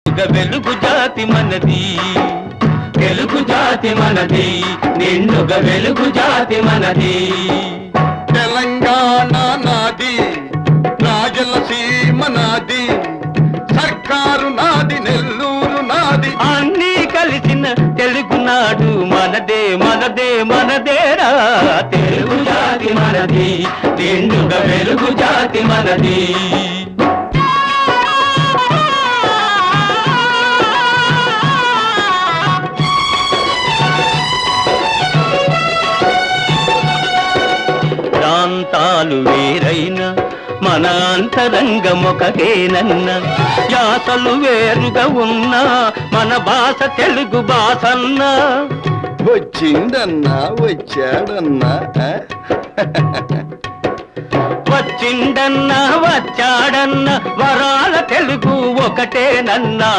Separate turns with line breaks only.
వెలుగు జాతి మనది, తెలుగు జాతి మనది, నిండుగా వెలుగు జాతి మనది.
తెలంగాణ నాది, రాయలసీమ నాది, సర్కారు నాది, నెల్లూరు నాది,
అన్నీ కలిసిన తెలుగునాడు మనదే మనదే మనదేరా. తెలుగు జాతి మనది, నిండుగా వెలుగు జాతి మనది. ప్రాంతాలు వేరైన మన అంతరంగమొకటేనన్న, యాసలు వేరుగా ఉన్నా మన భాష తెలుగు భాషన్న.
వచ్చిందన్నా వచ్చాడన్నా,
వచ్చిండన్నా వచ్చాడన్న, వరాల తెలుగు ఒకటేనన్నా.